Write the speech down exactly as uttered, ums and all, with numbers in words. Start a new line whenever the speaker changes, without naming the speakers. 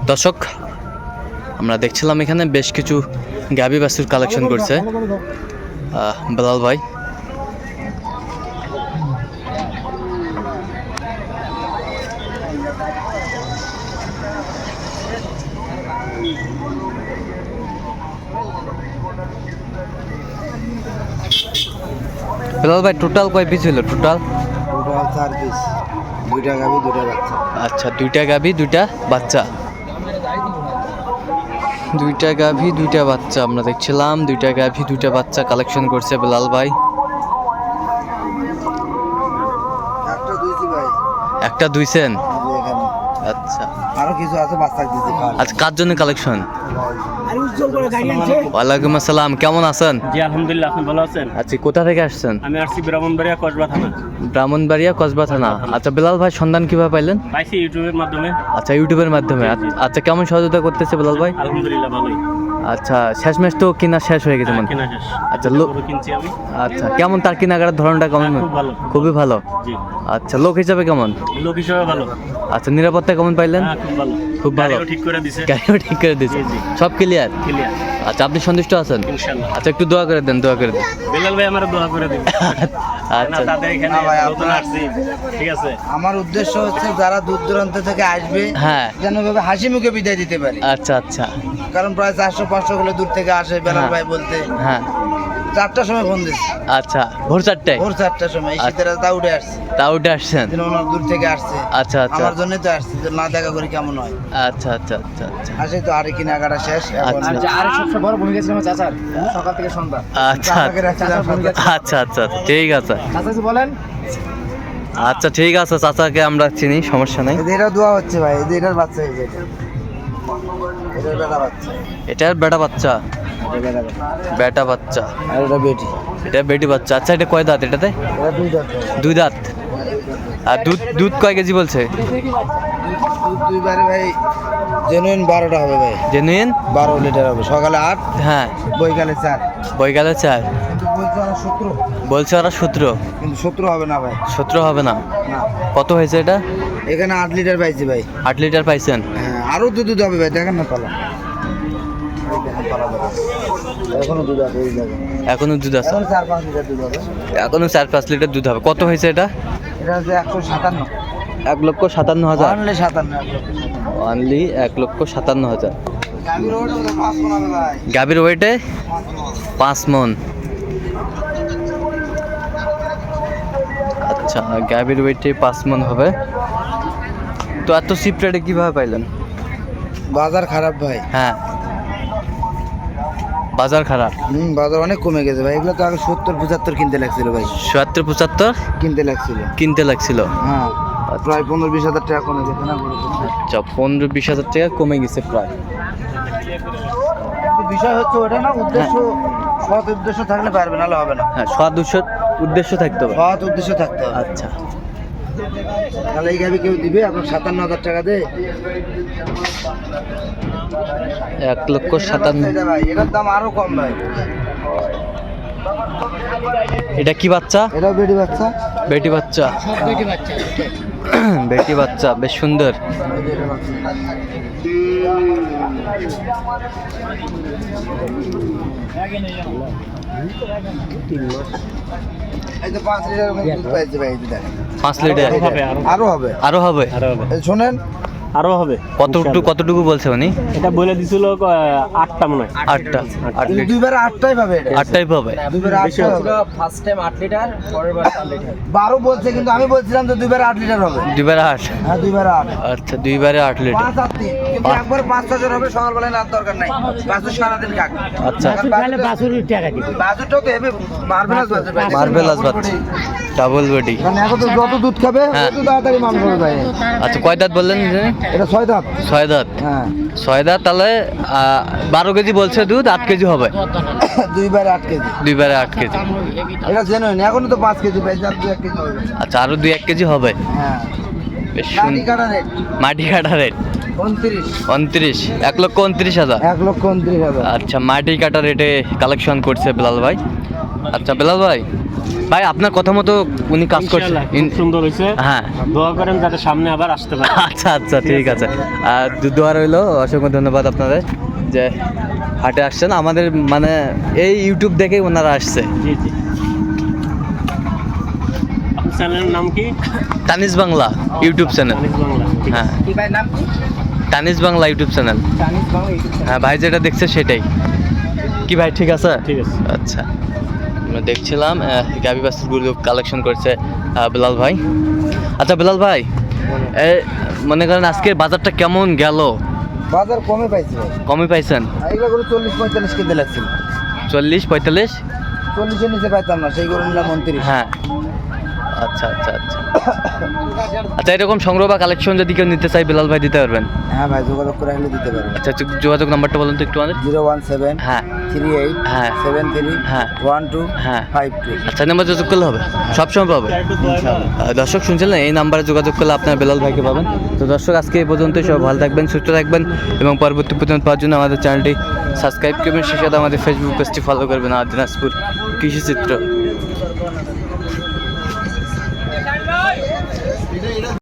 দর্শক আমরা দেখছিলাম এখানে বেশ কিছু গাভী বাছুর কালেকশন করছে বেলাল ভাই। বেলাল ভাই টোটাল কয় পিস হলো? টোটাল
টোটাল চার পিস, দুইটা গাভী দুইটা বাচ্চা।
আচ্ছা, দুইটা গাভী দুইটা বাচ্চা, দুইটা গাভী দুইটা বাচ্চা আমরা দেখছিলাম। দুইটা গাভী দুইটা বাচ্চা কালেকশন করছে বেলাল ভাই।
একটা দুইছি ভাই,
একটা দুইছেন?
এই যে এখানে
আচ্ছা,
আরো কিছু আছে বাচ্চা দিতে খাওয়া।
আজ কার জন্য কালেকশন? ওয়ালাইকুম আসসালাম, কেমন আছেন?
জি আলহামদুলিল্লাহ, আপনি ভালো আছেন?
আচ্ছা, কোথা থেকে আসছেন?
আমি আসছি ব্রাহ্মণবাড়িয়া কসবা থানা।
ব্রাহ্মণবাড়িয়া কসবা থানা। আচ্ছা বেলাল ভাই, সন্ধান কিভাবে পাইলেন?
পাইছি ইউটিউবের মাধ্যমে।
আচ্ছা, ইউটিউবের মাধ্যমে। আচ্ছা, কেমন সহযোগিতা করতেছে বেলাল ভাই?
আলহামদুলিল্লাহ ভালোই।
আচ্ছা, শেষমেশ তো কিনা শেষ হয়ে গেছে মনে হয়।
কেনা শেষ।
আচ্ছা, লোক
গরু কিনছি আমি।
আচ্ছা, কেমন তার কেনাকাটার ধরনটা কেমন?
খুব ভালো।
খুবই ভালো।
জি।
আচ্ছা, লোক হিসাবে কেমন?
লোক হিসেবে ভালো।
আচ্ছা, নিরাপত্তা কেমন পাইলেন?
হ্যাঁ, খুব ভালো।
খুব ভালো।
গাড়িও ঠিক করে দিছে।
গাড়িও ঠিক করে দিয়েছে,
জি, জি।
সব ক্লিয়ার।
ক্লিয়ার।
আচ্ছা, আপনি সন্তুষ্ট আছেন?
ইনশাআল্লাহ।
আচ্ছা, একটু দোয়া করে দেন, দোয়া করে দেন।
বেলাল ভাই আমার দোয়া করে দিন। না
আচ্ছা,
তাদের এখানে
না ভাই,
নতুন
আপনার-
আসছি, ঠিক আছে।
আমার উদ্দেশ্য হচ্ছে যারা দূর দূরান্ত থেকে আসবে
হ্যাঁ।
যেন ভাবে হাসি মুখে বিদায় দিতে পারি,
আচ্ছা আচ্ছা,
কারণ প্রায় চারশো পাঁচশো কিলো দূর থেকে আসে বেলাল
হ্যাঁ।
ভাই বলতে।
হ্যাঁ।
চারটার সময় ফোন দিচ্ছি,
আচ্ছা, ভোর চারটায়
ভোর চারটার সময়। এই শীতের তা উঠে আসছে,
তা উঠে আসছেন?
যেন ওনার দূর থেকে আসছে।
আচ্ছা আচ্ছা
আমার জন্যই তো আসছে, যে না দেখা করি কেমন হয়।
আচ্ছা আচ্ছা আচ্ছা আচ্ছা
আসে তো আরে কেনাকাটা শেষ এখন।
আচ্ছা।
আর সবচেয়ে বড় ভূমিকা ছিল আমার চাচার, সকাল থেকে সন্ধ্যা।
আচ্ছা
চাচাকে রাখছিলাম সন্ধ্যা।
আচ্ছা আচ্ছা, ঠিক আছে।
চাচা কি বলেন?
আচ্ছা, ঠিক আছে, চাচাকে আমরা চিনি, সমস্যা নেই।
এদের এটা দোয়া হচ্ছে ভাই, এদের এটার বাচ্চা হয়েছে, এটার বেটা বাচ্চা,
এটার বেটা বাচ্চা,
এটা বেটা বাচ্চা।
বেটা বাচ্চা,
আর এটা বেটি,
এটা বেটি বাচ্চা। আচ্ছা, এটা কয় দাঁত এটাতে?
এটা দুই দাঁত।
দুই দাঁত। আর দুধ দুধ কয় কেজি বলছে?
দুধ দুইবারে ভাই জেনুইন বারোটা হবে ভাই,
জেনুইন
বারো লিটার হবে। সকালে আট,
হ্যাঁ,
বৈকালে চার।
বৈকালে চার।
কিন্তু বলছে ওরা সতেরো,
বলছে ওরা সতেরো।
কিন্তু সতেরো হবে না ভাই,
সতেরো হবে না?
না।
কত হয়েছে এটা?
এখানে আট লিটার পাইছি ভাই।
আট লিটার পাইছেন?
হ্যাঁ, আরো দুধ দুধ হবে ভাই, দেখেন না পালা, এই দেখেন পালা দেখেন। এখনো দুধ আছে, এই দেখেন
এখনো দুধ আছে?
এখন চার পাঁচ লিটার দুধ হবে।
এখনো চার পাঁচ লিটার দুধ হবে। কত হয়েছে এটা?
এটা হচ্ছে একশো সাতান্ন,
এক লক্ষ সাতান্ন হাজার।
অনলি সাতান্ন, এক লক্ষ সাতান্ন।
অনলি এক লক্ষ সাতান্ন হাজার।
গাভীর ওটা তো পাঁচ মণ হবে ভাই,
গাভীর ওয়েটে পাঁচ মন। আচ্ছা, গাভীর ওয়েটে পাঁচ মন হবে। তো এত চিপ রেটে কীভাবে পাইলেন?
বাজার খারাপ ভাই।
হ্যাঁ, বাজার খারাপ।
হুম, বাজার অনেক কমে গেছে ভাই। এগুলো তো আগে সত্তর পঁচাত্তর কিনতে লাগছিল ভাই,
সত্তর পঁচাত্তর
কিনতে লাগছিল।
কিনতে লাগছিল।
হ্যাঁ, প্রায় পনেরো বিশ হাজার টাকা কমে গেছে না গরুর জন্য।
আচ্ছা, পনেরো বিশ হাজার টাকা কমে গেছে প্রায়।
কিন্তু বিষয় হচ্ছে ওটা না, উদ্দেশ্য সৎ উদ্দেশ্য থাকলে পারবে, নাহলে হবে না।
হ্যাঁ, সৎ উদ্দেশ্য উদ্দেশ্য থাকতে হবে।
সৎ উদ্দেশ্য থাকতে হবে।
আচ্ছা,
তাহলে এই গাভি কেউ দিবে আপনার সাতান্ন হাজার টাকা দে,
এক লক্ষ সাতান্ন।
এটা ভাই, এটার দাম আরো কম ভাই।
এটা কি বাচ্চা?
এটাও বেটি বাচ্চা,
বেটি বাচ্চা।
বেটি বাচ্চা,
বেটি বাচ্চা, বেশ সুন্দর।
এই তো পাঁচ লিটার মতো দুধ পাইছে ভাই, এই যে দেখেন।
পাঁচ লিটার
হবে, আরো
আরো হবে,
আরো হবে?
আরো হবে,
এই শোনেন,
আরো হবে।
কতটুকু কতটুকু বলছে উনি?
এটা বলে দিছিল আহ, আটটা মনে হয়।
আটটা। আট
কিন্তু
লিটার,
দুইবারে আটটাই পাবে এটা,
আটটাই পাবে।
দুইবারে আটটাই হবে।
ফার্স্ট টাইম আট লিটার, পরের বার চার লিটার।
বারো বলছে, কিন্তু আমি বলছিলাম তো দুইবারে আট লিটার হবে।
দুইবারে আট?
হ্যাঁ, দুইবারে আট।
আচ্ছা, দুইবারে আট লিটার।
পাঁচ আর তিন, কিন্তু একবার পাঁচ ছজন হবে, সকালবেলায় রাত দরকার নাই। বাছুর সারাদিন কাক।
আচ্ছা,
বাছুরটাও তো হেভি মার্ভেলাস বাছুর ভাই।
মার্বেলাস বাচ্চা, ডাবল বডি।
কারণ এখন তো যত দুধ খাবে
হ্যাঁ।
তত তাড়াতাড়ি মানুষ হবে ভাই।
আচ্ছা, কয় দাঁত বললেন?
এটা ছয় দাঁত।
ছয় দাঁত।
হ্যাঁ,
ছয় দাঁত, তাহলে আহ, বারো কেজি বলছে দুধ, আট কেজি হবে।
দুইবারে আট কেজি।
দুইবারে আট কেজি।
এটা জেনুইন, এখনো তো পাঁচ কেজি পাই, যার দু এক কেজি হবে।
আচ্ছা, আরো দুই এক কেজি হবে।
হ্যাঁ,
বেশ
মাটি
সুন্দর।
কাটা রেট
মাটি কাটা রেট
উনত্রিশ
উনত্রিশ, এক লক্ষ উনত্রিশ হাজার।
এক লক্ষ উনত্রিশ হাজার
আচ্ছা, মাটি কাটা রেটে কালেকশন করছে বেলাল ভাই। আচ্ছা বেলাল ভাই, ভাই আপনার কথা মতো উনি কাজ করছে।
ইনশাআল্লাহ, খুব
ইন-
সুন্দর হয়েছে।
হ্যাঁ
দোয়া করেন যাতে সামনে আবার আসতে পারে।
আচ্ছা আচ্ছা ঠিক আছে। আর দু- দোয়া রইলো, অসংখ্য ধন্যবাদ আপনাদের যে হাটে আসছেন। আমাদের মানে এই ইউটিউব দেখেই ওনারা আসছে।
জি জি। আপনার চ্যানেলের নাম কি?
Taniz Bangla YouTube channel.
তানিজ বাংলা। ঠিক আছে।
হ্যাঁ,
কি ভাই নাম কি
Taniz Bangla YouTube channel.
Chinese Bangla YouTube
হ্যাঁ, ভাই যেটা দেখছে সেটাই। কি ভাই ঠিক আছে?
ঠিক আছে।
আচ্ছা, আমরা দেখছিলাম গাবি বাছুরগুলো কালেকশন করছে আহ, বেলাল ভাই। আচ্ছা বেলাল ভাই, এ, মনে করেন আজকের বাজারটা কেমন গেল?
বাজার কমে পাইছে ভাই
কমই পাইছেন?
এগুলো করে চল্লিশ পঁয়তাল্লিশ কিনতে লাগছিল
চল্লিশ পঁয়তাল্লিশ?
চল্লিশের নিচে পাইতাম না, সেই করে নিলাম উনত্রিশ।
হ্যাঁ, আচ্ছা আচ্ছা আচ্ছা আচ্ছা এরকম সংগ্রহ বা কালেকশন যদি কেউ নিতে চাই বেলাল ভাই দিতে পারবেন?
হ্যাঁ ভাই, যোগাযোগ করে আসলে দিতে পারবেন।
আচ্ছা আচ্ছা, যোগাযোগ নাম্বারটা বলুন তো একটু আমাদের।
জিরো ওয়ান সেভেন
হ্যাঁ
থ্রি এইট
হ্যাঁ
সেভেন থ্রি
হ্যাঁ
ওয়ান টু
হ্যাঁ
ফাইভ টু
আচ্ছা, নাম্বার যোগাযোগ করলে হবে, সবসময় পাবে।
একটু দোয়া করেন।
আহ, দর্শক শুনছিলেন, এই নাম্বারে যোগাযোগ করলে আপনার বেলাল ভাইকে পাবেন। তো দর্শক আজকে এই পর্যন্ত, সব ভালো থাকবেন, সুস্থ থাকবেন এবং পরবর্তী পর্যন্ত পাওয়ার জন্য আমাদের চ্যানেলটি সাবস্ক্রাইব করবেন, সেই সাথে আমাদের ফেসবুক পেজটি ফলো করবেন আর দিনাজপুর কৃষিচিত্র।